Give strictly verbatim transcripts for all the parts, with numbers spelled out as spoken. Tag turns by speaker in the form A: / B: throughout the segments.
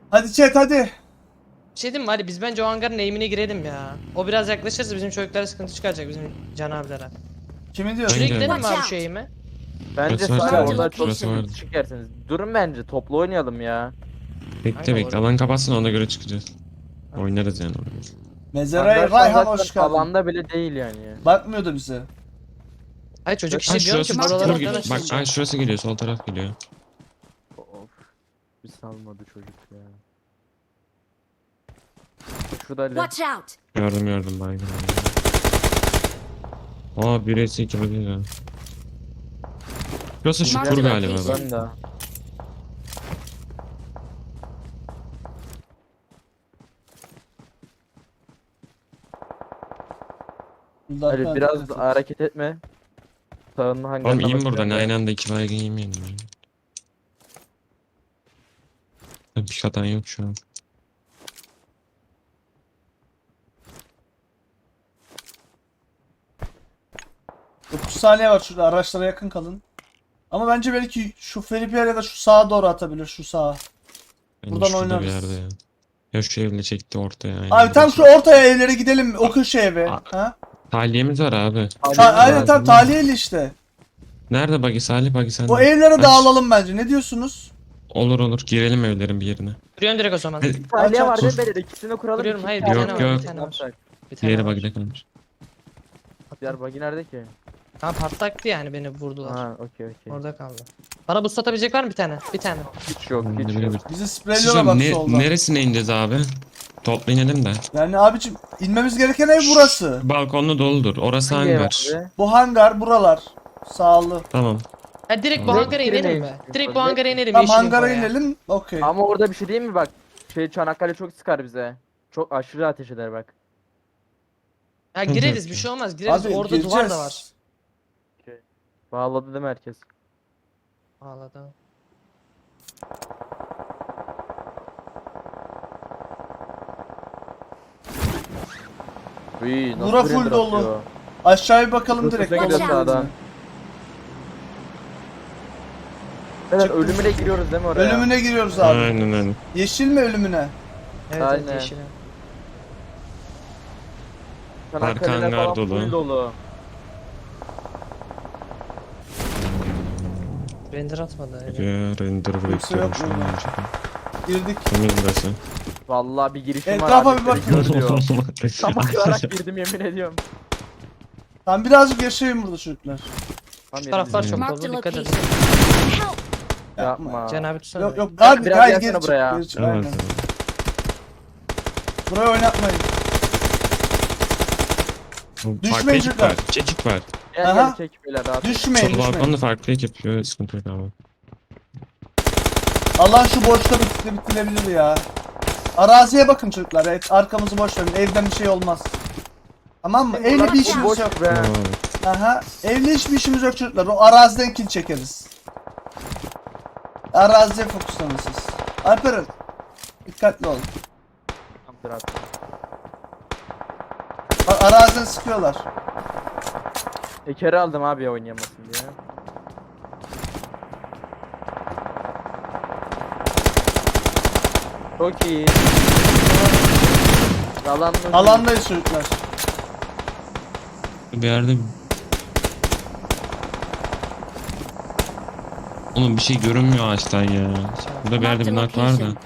A: Hadi chat hadi.
B: Bir şey diyeyim mi? Hadi biz bence o hangarın eğimine girelim ya. O biraz yaklaşırsa bizim çocuklara sıkıntı çıkaracak, bizim Can abilere.
A: Kimi diyorsun?
B: Şuraya
C: Hangi?
B: gidelim mi
D: Watch
B: abi
D: out.
B: şu eğime?
C: Bence
E: Burası var
C: sadece
E: tabii.
C: orada çok
E: Burası vardı.
C: çıkarsınız. Durun bence toplu oynayalım ya.
E: Bekle
B: Hangi
E: bekle.
B: orada?
E: Alan kapatsın ona göre çıkacağız. Oynarız yani orada.
A: Mezaraya
C: Hangar
A: Rayhan
C: zaten
A: hoş geldin.
C: alanda bile değil yani.
A: Bakmıyordu bize.
B: Hayır çocuk
E: Ay
B: işte diyorum
E: şurası
B: ki
D: Mark
B: buralara
E: dur,
D: the
B: falan
E: git. Bak
B: açılacak.
E: ay şurası geliyor, sol taraf geliyor.
C: Of. Bir salmadı çocuk ya. Şurada Ali.
D: Watch out!
E: Gördüm gördüm baygın. Aa bir s iki bakıyor ya. Burası şu
D: Mark
E: tur
D: the
E: galiba
D: location.
E: bak.
C: Ben de.
A: Bundan
C: Ali
A: sonra
C: biraz
A: dikkat
C: da
A: et.
C: hareket etme. Sağının hangarına
E: Oğlum iyiyim
C: bakıyorum
E: buradan,
C: ben.
E: aynı anda iki baygın yemeyelim ya. Bir hatan yok şu an.
A: dokuz saniye var şurada, araçlara yakın kalın. Ama bence belki şu Felipe ya da şu sağa doğru atabilir, şu sağa.
E: Bence
A: Buradan
E: şurada bir
A: oynarız.
E: yerde ya. Ya şu evle çekti ortaya. Aynen
A: Abi tam şu
E: burası.
A: ortaya evlere gidelim, o köşe eve.
E: Aa.
A: Ha?
E: Tahliyemiz var abi.
A: Ta- aynen tam
C: lazım.
A: taliyeli işte.
E: Nerede bagi Salih, bagi sen?
A: O evlere dağılalım bence, ne diyorsunuz?
E: Olur olur, girelim evlerin bir yerine.
B: Kuruyorum direkt o zaman.
E: Hadi,
C: Taliye
A: Aç,
C: var
A: aç.
C: değil mi? Beyler? İkisini kuralım.
B: Kuruyorum,
C: iki
B: hayır,
C: tane
E: bir tane var,
C: var.
E: bir
B: tane var.
C: Yapsak.
B: Bir tane
E: diğeri
B: var.
E: bagide kalmış.
C: Diğer bagi nerede ki?
B: Tamam patlaktı yani, beni vurdular.
C: Ha okey okey.
B: Orada kaldı. Bana boost atabilecek var mı bir tane? Bir tane.
C: Hiç yok
E: Hmm,
C: hiç
E: bile
C: yok.
E: bir-
A: Bizi
E: Siz
A: spreyliyorlar bak
E: ne,
A: soldan.
E: neresine ineceğiz abi? Topla inelim de.
A: Yani abicim inmemiz gereken ev burası.
E: Balkonlu doludur. Orası
C: Hangi ev
E: hangar.
C: abi?
A: Bu hangar buralar. Sağlı.
E: Tamam.
B: Ha direkt bu
E: Tamam.
B: hangara inelim mi? Direkt bu hangara inelim.
A: Tam
B: yeşil
A: hangara
B: infoya.
A: inelim. Okey.
C: Ama orada bir şey değil mi bak? Şey Çanakkale çok sıkar bize. Çok aşırı ateş eder bak.
B: Ha gireriz, bir şey olmaz. Gireriz,
A: Abi
B: orada
A: gireceğiz.
B: duvar da var.
C: Bağladı değil mi herkes?
B: Ağladı.
C: Uy, nasıl
A: Bura
C: bir
A: full
C: render
A: dolu.
C: atıyor?
A: Aşağıya bakalım
C: Burası
A: direkt.
C: da
D: Watch
C: gidiyor
D: out.
C: sağdan. Beyler
A: Çıktım.
C: ölümüne giriyoruz değil mi oraya?
A: Ölümüne giriyoruz abi.
E: Aynen aynen.
A: Yeşil mi ölümüne?
B: Evet,
C: Aynen.
B: evet yeşil.
C: Çanakkale'ler
E: Arka hangar
C: falan
E: dolu.
C: full dolu.
B: Render atmadı. öyle.
E: Ya render bekliyorum şu an.
A: yok
E: önce.
A: Girdik.
E: Temiz burası.
C: Vallahi bir girişim
A: Etrafa
C: var.
A: bir
C: abi,
A: bakın.
C: gör diyor. Tam akılarak girdim yemin ediyorum.
A: Tam birazcık yaşayın burada çocuklar.
C: Tam
B: Şu taraflar
C: yemin
B: çok
D: Mark the
B: dolu, dikkat
D: location.
B: edin.
D: Help!
C: Yapma.
B: Can abi tutsana.
A: Yok yok
C: Biraz-
A: abi
C: biraz
A: hayır
C: gelsene
A: geri çık.
C: buraya.
A: Geri çık
E: Evet,
A: aynen.
E: evet.
A: Burayı oynatmayın.
E: Farklı
A: Düşmeyin
E: ekip
A: çocuklar.
E: var. İki ekip var.
C: Gel
A: Aha.
C: gel çek beyler rahat.
A: Düşmeyin
E: Sol
A: düşmeyin.
E: balkonda farklı ekip yapıyor. Sıkıntı yok abi.
A: Allah şu boşta bitti bitirebilir ya. Araziye bakın çocuklar. Evet, arkamızı boş verin. Evden bir şey olmaz. Tamam mı? Evle bir işimiz
C: Boş
A: yok.
C: be.
E: Tamam.
A: Aha. Evle hiçbir işimiz yok çocuklar. O araziden kill çekeriz. Araziye fokuslanın siz. Alperen. Dikkatli olun.
C: Tamamdır abi.
A: Bak araziden sıkıyorlar.
C: Ekeri aldım abi ya oynayamasın diye. Çok iyi. Alan
A: Alandayız çocuklar.
E: Bir yerde... Oğlum bir şey görünmüyor ağaçtan ya. Burada bir
D: Mark
E: yerde
D: the
E: bir nak var da.
D: location.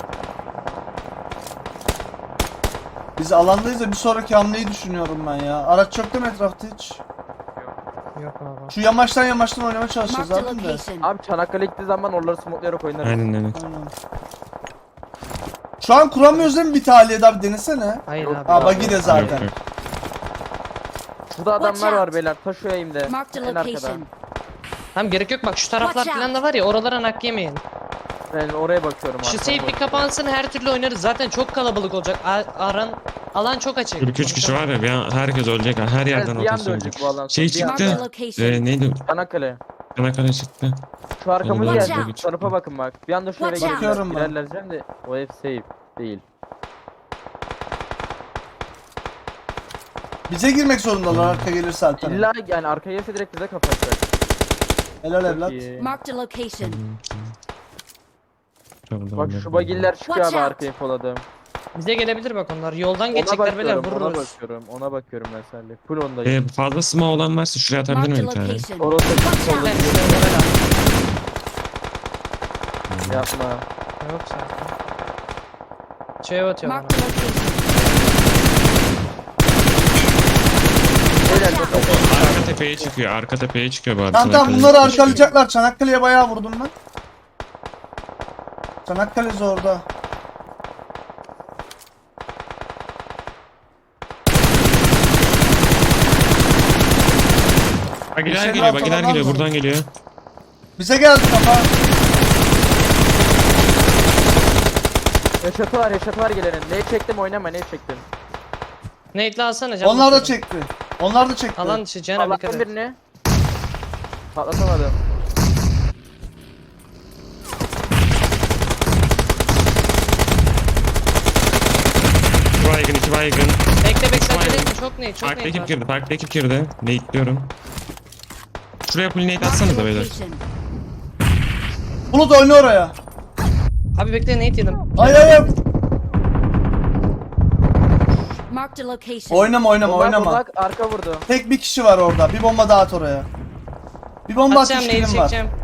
A: Biz alandayız da bir sonraki hamleyi düşünüyorum ben ya. Araç yok değil mi etrafta hiç?
B: Yok abi.
A: Şu yamaçtan yamaçtan oynamaya çalışacağız
D: Mark the
A: zaten de.
D: location.
C: Abi Çanakkale gittiği zaman oraları smokelayarak oynarız.
E: Aynen aynen.
A: Aynen. Şu an kuramıyoruz değil mi bir tahliye abi denesene.
B: Hayır
C: Yok.
B: abi.
A: Aa bagi de
E: Yok,
A: zaten.
E: yok.
C: Burada
D: Watch
C: adamlar var
D: out.
C: beyler. Taş o eğimde.
D: Mark the
C: En arkada.
D: location.
B: Tamam gerek yok, bak şu taraflar
D: Watch
B: falan da var ya, oralara nak yemeyin.
C: Ben oraya bakıyorum
B: Şu
C: arkama
B: safe bir
C: bakıyorum.
B: kapansın, her türlü oynarız. Zaten çok kalabalık olacak. A- aran alan çok açık.
E: kırk üç kişi var ya, bir an herkes ölecek. Her
C: Evet,
E: yerden
C: bir anda
E: rotasyon
C: öldük
E: olacak.
C: bu alan.
E: Şey
C: Bir anda-
D: Mark the
E: çıktı.
D: location.
E: Ee, neydi?
C: Çanakkale.
E: Çanakkale çıktı.
C: Şu arkamız
E: Watch
C: geldi.
D: out.
C: Şu tarafa bakın bak. Bir anda şöyle
D: Watch out.
C: girerler.
A: Bakıyorum ben.
C: Girerler diyeceğim de o ev safe değil.
A: Bize girmek zorundalar arka gelirse Alperen.
C: İlla yani arkaya gelse direkt bize kapatacak.
A: Helal
C: Çok
A: evlat.
C: iyi.
D: Mark the location.
C: Bak şu bagiller çıkıyor
D: Watch
C: abi
D: out.
C: arkaya foladım.
B: Bize gelebilir bak onlar. Yoldan
C: Ona
B: geçecekler beyler
C: bakıyorum, ona
B: vururuz.
C: bakıyorum, ona bakıyorum ben seninle. Full ondayım.
E: Ee, fazla smoke olan varsa şuraya atabilir
D: Marked a
E: miyim bir tane?
D: location.
C: Orası
D: Watch out.
B: Ben size ona ver
C: yapma.
B: abi. Yok zaten. Şey atıyor bana.
D: Marked a location.
C: Beyler çok çok
E: Arka tepeye çıkıyor, arka tepeye çıkıyor bu arada.
A: Tamam tamam bunları arkalayacaklar. Çanakkale'ye bayağı vurdum ben. Çanakkale zorda.
E: Bagiler
A: Geçen
E: geliyor, bagiler
A: haftadan
E: geliyor,
A: mı?
E: buradan geliyor.
A: Bize geldi kafa.
C: Yaşatı var, yaşatı var gelenin. Ne çektim oynama, ne çektim.
B: Nate'le alsana canım.
A: Onlar da çekti. Onlar da çekti.
B: Alan dışı Can abi dikkat
C: Allah'tan
B: et.
C: birini. Patlatamadım.
E: İki baygın, iki baygın.
B: Bekle bekle
E: İsmail.
B: acele etme çok Nate çok
E: Farklı
B: Nate
E: ekip
B: var.
E: girdi, farklı ekip girdi. Nate'liyorum. Şuraya full nate
D: Marked a
E: atsanız da beyler.
D: location.
A: Bulut oyna oraya.
B: Abi bekle Nate yedim.
A: Ay ay ay.
D: Marked a location.
A: Oynama oynama
C: Bak,
A: oynama.
C: bak, arka vurdu.
A: Tek bir kişi var orada. Bir bomba daha at oraya. Bir bomba
B: Atacağım
A: atmış
B: Nate'i
A: kilim var.
B: çekeceğim.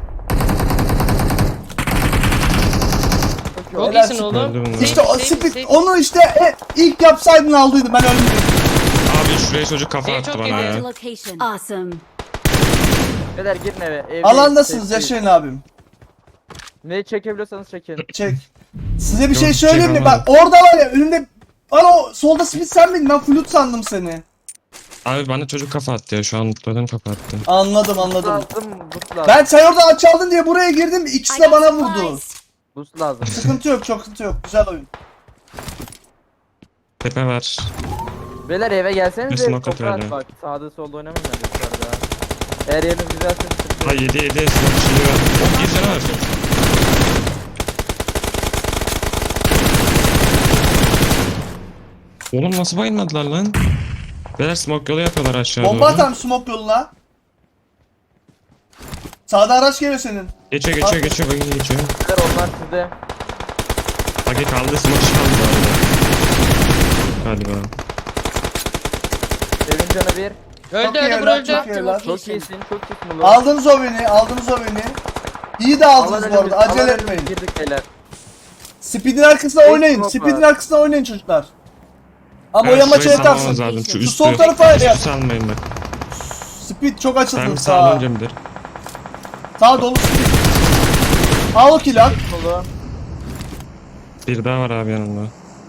C: Çok iyi
B: Çok
C: oldu.
A: Helal
B: iyisin
A: olsun.
B: oğlum.
E: Öldüm ben.
A: İşte o
B: Save, save,
A: speed
B: save.
A: onu işte e, ilk yapsaydın aldıydım ben ölmedim.
E: Abi şuraya çocuk kafa
B: Şey
E: attı
B: çok
E: bana
B: iyi,
D: Marked a
E: ya.
D: location. Awesome.
C: Beyler girin eve. Evdeyiz,
A: Alandasınız
C: safe'deyiz.
A: yaşayın abim.
C: Neyi çekebiliyorsanız çekin.
A: Çek. Size bir şey
E: Yok,
A: söyleyeyim mi?
E: çekemem.
A: Bak orada var ya önümde bana o solda speed sen miydin? Ben flute sandım seni.
E: Abi bana çocuk kafa attı ya, şu an mutladım kafa attı.
A: Anladım anladım.
C: Lazım, boost lazım.
A: Ben sen orada aç aldın diye buraya girdim. İkisi
D: I
A: de
D: got
A: bana vurdu.
D: supplies.
C: Boost lazım.
A: Sıkıntı yok çok sıkıntı yok. Güzel oyun.
E: Tepe var.
C: Beyler eve gelseniz
E: Bir
C: de
E: smoke
C: toprağa
E: atıyor
C: bak. Sağda solda oynamayın ben dışarıda. Eğer yeriniz güzelse sıkıntı
E: Ha
C: yok.
E: yedi yedi smoke şeyi var. Oh, bir tane var. Oğlum nasıl bayılmadılar lan? Beyler smoke yolu yapıyorlar aşağı
A: Bomba
E: doğru.
A: atarım smoke yoluna. Sağda araç geliyor senin.
E: Geçiyor geçiyor geçiyor, bagi geçiyor.
C: Beyler onlar sizde.
E: Bagi kaldı, smoke kaldı bu arada. Galiba.
C: Evin canı bir.
B: Öldü
A: Çok iyi
B: öldü bro
A: evlat,
B: öldü.
A: çok iyi evlat.
C: Çok iyisin, çok iyisin ulan.
A: Aldınız o beni, aldınız o beni. İyi de aldınız
C: Alan
A: bu arada,
C: önümüz-
A: acele
C: alan önümüz
A: etmeyin.
C: Girdik beyler.
A: Speed'in arkasına
C: Tek
A: oynayın,
C: smoke
A: speed'in
C: var.
A: arkasına oynayın çocuklar. Ama
E: Evet,
A: o yamaça
E: şurayı
A: yatarsın.
E: salmamız lazım, şu
A: Şu
E: üstü.
A: sol tarafa
E: Üstü
A: yap.
E: salmayın bak.
A: Speed çok
E: Ben
A: açıldın
E: bir
A: sağa.
E: sağlayınca midir?
A: Sağ dolu speed. Al o kill al.
C: Solu.
E: Bir daha var abi yanımda.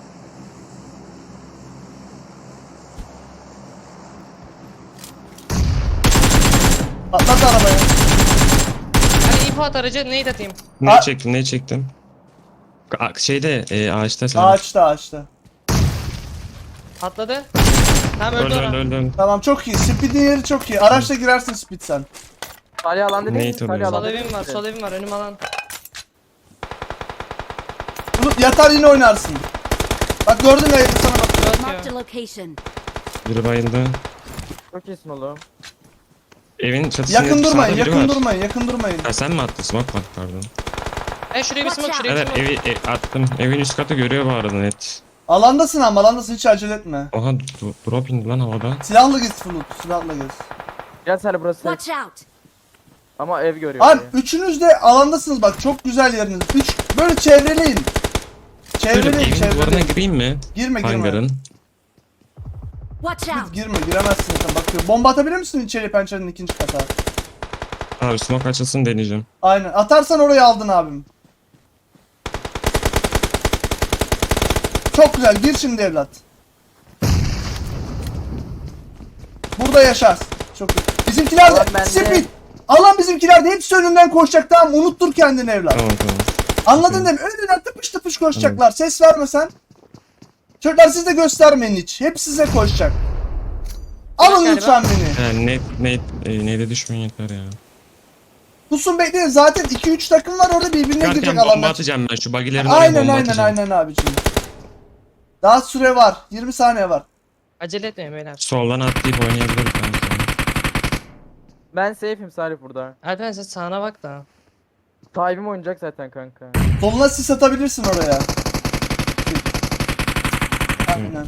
A: Atlat arabaya.
B: Hadi ip at aracı Nate atayım.
E: Ne
A: Aa.
E: çektim ne çektim? A- Şeyde e, ağaçta sen.
A: Ağaçta ağaçta.
B: Atladı. Tamam öldü
E: Öldü öldü
B: ona.
E: öldü. öldü.
A: Tamam çok iyi. Speed'in yeri çok iyi. Araçla girersin speed sen.
C: Salih alanda değil mi?
E: Nate
C: Salih
E: oluyor.
B: Sol
C: alanda
B: evim var sol evim var önüm alan.
A: Bunu yatar yine oynarsın. Bak gördün mü sana bak.
D: Marked a
B: Atıyor.
D: location.
E: Biri bayıldı.
C: Çok iyisin oğlum.
E: Evin çatısında
A: Yakın durmayın,
E: sağda biri
A: yakın
E: var.
A: durmayın, yakın durmayın.
E: Ha sen mi attın? Smoke mu attı pardon.
B: Ben şuraya bir smoke şuraya bir
E: Evet
B: smoke.
E: evi e, attım. Evin üst katı görüyor bu arada net.
A: Alandasın ama alandasın hiç acele etme.
E: Oha d- drop indi lan havada.
A: Silahla gez Flut, silahla gez.
C: Gel Salih burası.
D: Watch out.
C: Ama ev görüyor.
A: Abi
C: orayı.
A: üçünüz de alandasınız bak çok güzel yeriniz. Üç böyle çevreleyin.
E: Şöyle
A: Çevreleyin,
E: evin duvarına
A: çevreleyin.
E: gireyim mi?
A: Girme girme.
E: Hangarın.
D: Watch out.
A: Girme giremezsin sen bakıyor. Bomba atabilir misin içeri pencerenin ikinci kata?
E: Abi smoke açılsın deneyeceğim.
A: Aynen. Atarsan orayı aldın abim. Çok güzel. Gir şimdi evlat. Burada yaşarsın. Çok güzel. Bizimkiler de
C: Alan bende.
A: speed. Alan bizimkiler de hepsi önünden koşacak tamam unuttur kendini evlat.
E: Tamam tamam.
A: Anladın değil mi? Önünden tıpış tıpış koşacaklar. Ses verme sen. Çocuklar siz de göstermeyin hiç. Hep size koşacak. Alın
B: Galiba.
A: lütfen beni.
E: Yani net net e, neyde düşmeyin yeter ya.
A: Pusun bekleyin. Zaten iki üç takım var orada birbirine
E: Çıkarken
A: girecek
E: bomba
A: alanlar.
E: atacağım ben şu bagilerin oraya
A: Aynen
E: bomba
A: aynen
E: atacağım.
A: aynen abicim. Daha süre var. yirmi saniye var.
B: Acele etmeyin beyler.
E: Soldan atlayıp oynayabiliriz kanka.
C: Ben safe'im Salih burada.
B: Alperen sen sağına bak da.
C: Sahibim oynayacak zaten kanka.
A: Soluna sis atabilirsin oraya. Aynen.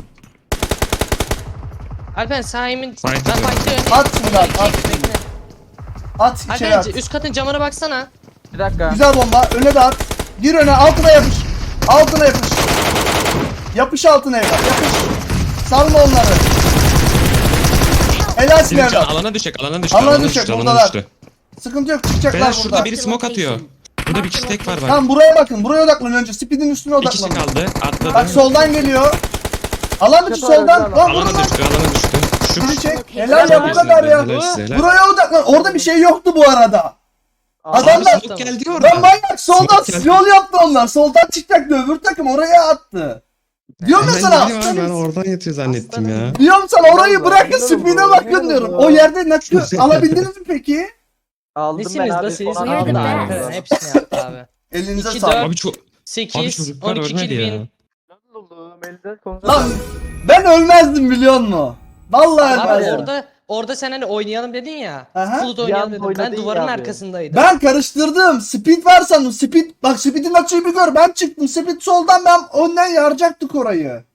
B: Alpen sağ emin.
E: Fight
B: Ben
E: ediyorum.
B: fight'ı önüne.
A: At şimdi at, at.
B: Bekle.
A: At içeri at.
B: Alpen üst katın camına baksana.
C: Bir dakika.
A: Güzel bomba. Öne de at. Gir öne, altına yapış. Altına yapış. Yapış altına evlat. Yapış. Salma onları. Helalsin
E: Senin can
A: evlat.
E: alana düşecek, alana düştü,
A: Alana
E: alana
A: düşecek,
E: düştü, alana
A: buradalar.
E: düştü.
A: Sıkıntı yok, çıkacaklar
E: Beyler
A: burada.
E: şurada biri smoke atıyor. Burada bir kişi tek var bak.
A: Tamam buraya bakın. Buraya odaklanın önce. Speed'in üstüne
E: Bir kişi
A: odaklanın.
E: kaldı, atladı.
A: Bak soldan geliyor. Alan dışı
C: Kötü
A: soldan.
C: oynadı
A: Lan
E: Alana
A: vurun lan.
E: düştü, alana düştü. Şu
A: Biri çek.
D: Helal
A: Helal ya bu
B: helal
A: kadar ya.
E: Helal size, helal.
A: Buraya odaklan. Orada bir şey yoktu bu arada. Adamlar.
E: Abi smoke geldi orada.
A: Lan manyak soldan
E: Smoke geldi.
A: yol yaptı onlar. Soldan çıkacaktı. Öbür takım oraya attı. Diyorum ya
E: Ben
A: sana.
E: gidiyorum abi, ben oradan yatıyor zannettim ya.
A: Diyorum sana orayı
C: Allah,
A: bırakın
C: helal
A: speed'e
C: olsun,
A: bakın
C: helal
A: diyorum.
C: olsun.
A: O yerde nakı alabildiniz mi peki?
C: Aldım ben
B: Nesiniz
C: abi.
B: da siz?
C: son
D: We're the
C: anda
B: Aldı
C: aldım.
D: best.
B: Hepsini yaptı abi.
A: Elinize
B: İki,
A: sağlık.
B: dört.
E: Abi çok... Abi
B: sekiz,
E: çocuklar
B: on iki
E: ölmedi
B: kill
E: ya.
B: win.
C: Oğlum, elde konuda-
A: Lan ben ölmezdim biliyor musun? Vallahi
B: Abi
A: ölmezdim.
B: orada orada sen hani oynayalım dedin ya.
A: Aha.
B: Flut
C: Bir
B: oynayalım
C: anda
B: dedim. Ben
C: oynadın
B: duvarın
C: ya abi.
B: arkasındaydım.
A: Ben karıştırdım. Speed var sandım. Speed bak speed'in açıyı bir gör. Ben çıktım. Speed soldan ben önden yaracaktık orayı.